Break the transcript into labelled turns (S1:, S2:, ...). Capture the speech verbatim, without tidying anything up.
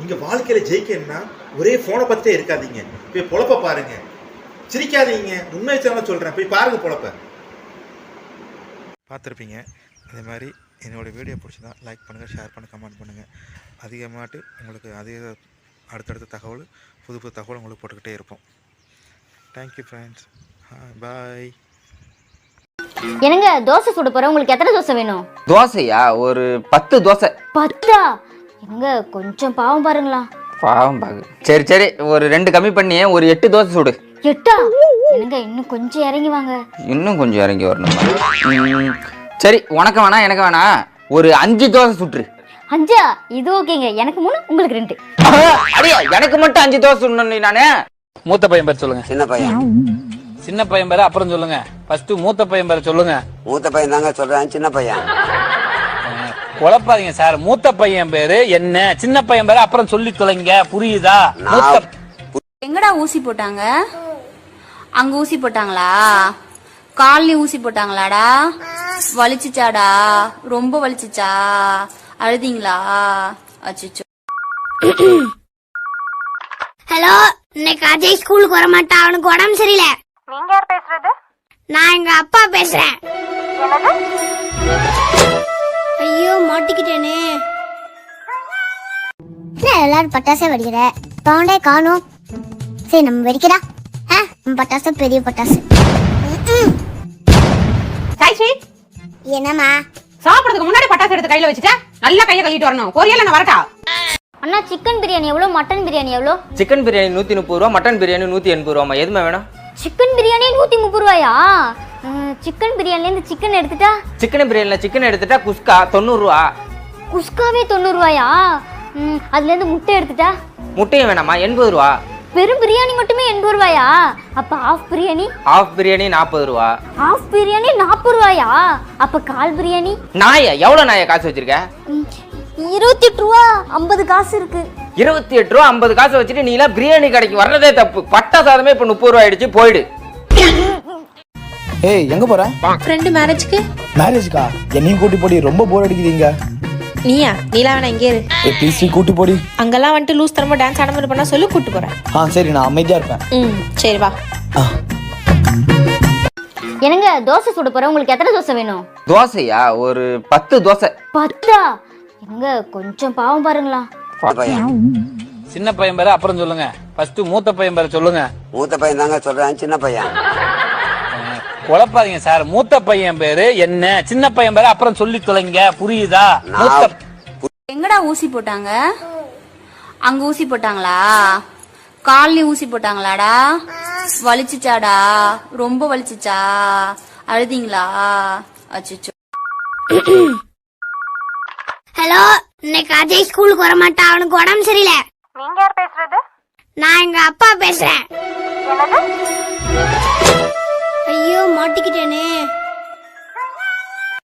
S1: நீங்க வாழ்க்கையில ஜெயிக்கணும்னா ஒரே போனை பத்தே இருக்காதீங்க. போய் பொழப்ப பாருங்க. சிரிக்காதீங்க. உண்மை சேனல் சொல்றேன். போய் பாருங்க பொழப்ப. பார்த்துருப்பீங்க. அதே மாதிரி என்னோடய வீடியோ பிடிச்சதா லைக் பண்ணுங்கள், ஷேர் பண்ணுங்கள், கமெண்ட் பண்ணுங்கள். அதிகமாட்டு உங்களுக்கு அதிக அடுத்தடுத்த தகவல், புது புது தகவல் உங்களுக்கு போட்டுக்கிட்டே இருப்போம். Thank you friends. பாய்.
S2: என்னங்க தோசை சுட போறேன். உங்களுக்கு எத்தனை தோசை வேணும்?
S3: தோசையா? ஒரு பத்து தோசை.
S2: பத்தா? என்னங்க கொஞ்சம் பாவம் பாருங்களா.
S3: பாவம் பாகு. சரி சரி, ஒரு ரெண்டு கம்மி பண்ணி ஒரு எட்டு தோசை சுடு.
S2: எட்டா? என்னங்க இன்னும் கொஞ்சம் இறங்கி வாங்க.
S3: இன்னும் கொஞ்சம் இறங்கி வரணும். சரி, உனக்கு வேணா எனக்கு வேணா ஒரு அஞ்சு தோசை சுட்டுரு.
S2: அஞ்சா? இது ஓகேங்க. எனக்கு மூணு, உங்களுக்கு ரெண்டு.
S3: அடியா, எனக்கு மட்டும் அஞ்சு தோசை சுடணும். நானே
S4: மூத்த பையன் பேர் சொல்லுங்க.
S5: சின்ன பையன்.
S4: சின்ன பையன் பேர் அப்புறம் சொல்லுங்க. ஃபர்ஸ்ட் மூத்த பையன் பேர் சொல்லுங்க.
S5: மூத்த பையன் தாங்க சொல்றேன். சின்ன பையன்
S4: குழப்பாதீங்க சார். மூத்த பையன் பேரு என்ன, சின்ன பையன் பேரு அப்புறம் சொல்லி தொலைங்க. புரியுதா?
S6: எங்கடா ஊசி போட்டாங்க? அங்க ஊசி போட்டாங்களா? கால்ல ஊசி போட்டாங்களாடா? வலிச்சுச்சாடா? ரொம்ப வலிச்சுச்சா? அழுதிங்களா? அச்சோ.
S7: ஹலோ, இன்னைக்கு அஜய் ஸ்கூலுக்கு வர மாட்டான். அவனுக்கு உடம்பு சரியில்லை.
S8: நீங்க யார் பேசுறது?
S7: நான் எங்க அப்பா பேசுறேன். ஐயோ, மாட்டிக்கிட்டேனே. எல்லாரும் பட்டாசே வெடிக்கிற பவுண்டே காணும். சரி, நம்ம வெடிக்கிறா. பட்டாசு பெரிய பட்டாசு. என்னம்மா?
S9: சாப்பிடுறதுக்கு முன்னாடி பட்டாசு எடுத்து கையில வச்சுட்டா நல்லா கையை கழுவிட்டு வரணும். கொரியல நான் வரட்டா?
S2: அண்ணா, சிக்கன் பிரியாணி எவ்வளோ, மட்டன் பிரியாணி எவ்வளோ?
S3: சிக்கன் பிரியாணி நூத்தி முப்பது ரூபா, மட்டன் பிரியாணி நூத்தி எண்பது ரூபாமா. எதுவுமே வேணும்?
S2: சிக்கன் பிரியாணி நூத்தி முப்பது ரூபாயா? சிக்கன் பிரியாணில இருந்து சிக்கன் எடுத்துட்டா?
S3: சிக்கன் பிரியாணில சிக்கன் எடுத்துட்டா குஸ்கா தொண்ணூறு ரூபா.
S2: குஸ்காவே தொண்ணூறு ரூபாயா? அதுல இருந்து முட்டை எடுத்துட்டா?
S3: முட்டையும் வேணாமா? எண்பது ரூபா.
S2: வெறும் பிரியாணி மட்டுமே எண்பது ரூபாயா? அப்ப ஆஃப் பிரியாணி?
S3: ஆஃப் பிரியாணி நாற்பது ரூபா.
S2: ஆஃப் பிரியாணி நாற்பது ரூபாயா? அப்ப கால் பிரியாணி?
S3: நாயா? எவ்வளவு நாயா காசு வச்சிருக்க?
S2: இருபத்தி எட்டு ரூபா ஐம்பது காசு இருக்கு.
S3: இருபத்தி எட்டு ரூபா ஐம்பது காசு வச்சுட்டு நீ எல்லாம் பிரியாணி கடைக்கு வர்றதே தப்பு. பட்டா சாதமே இப்ப முப்பது ரூபாய் ஆயிடுச்சு. போயிடு.
S10: ஏய், எங்க போற?
S11: ஃப்ரெண்ட் மேரேஜ்க்கு.
S10: மேரேஜ்க்கா? என்னையும் கூட்டி போடி. ரொம்ப போர் அடிக்குதுங்க.
S11: நீயா? நீலா வேணா இங்கே இரு.
S10: ஏய் ப்ளீஸ், கூட்டி போடி.
S11: அங்கெல்லாம் வந்துட்டு லூஸ் தரமா டான்ஸ் ஆட மாதிரி பண்ணா சொல்லி கூட்டி போறேன்.
S10: ஆ சரி, நான் அமைதியா இருப்பேன்.
S11: ம் சரி வா.
S2: என்னங்க தோசை சுட போறேன். உங்களுக்கு எத்தனை தோசை வேணும்?
S3: தோசையா? ஒரு பத்து தோசை.
S2: பத்தா? என்னங்க கொஞ்சம் பாவம் பாருங்களா.
S4: சின்ன பையன் பேரு அப்புறம் சொல்லுங்க. ஃபர்ஸ்ட் மூத்த பையன் பேர் சொல்லுங்க.
S5: மூத்த பையன் தாங்க சொல்றேன். சின்ன பையன்
S4: குழப்பாதீங்க சார். மூத்த பையன் பேரு என்ன, சின்ன பையன் பேரு அப்புறம் சொல்லி தொலைங்க. புரியுதா?
S6: எங்கடா ஊசி போட்டாங்க? அங்க ஊசி போட்டாங்களா? கால்ல ஊசி போட்டாங்களாடா? வலிச்சுச்சாடா? ரொம்ப வலிச்சுச்சா? அழுதிங்களா? அச்சோ.
S7: ஹலோ, இன்னைக்கு அஜய் ஸ்கூலுக்கு வர மாட்டான். அவனுக்கு உடம்பு சரியில்லை.
S8: நீங்க யார் பேசுறது?
S7: நான் எங்க அப்பா பேசுறேன்.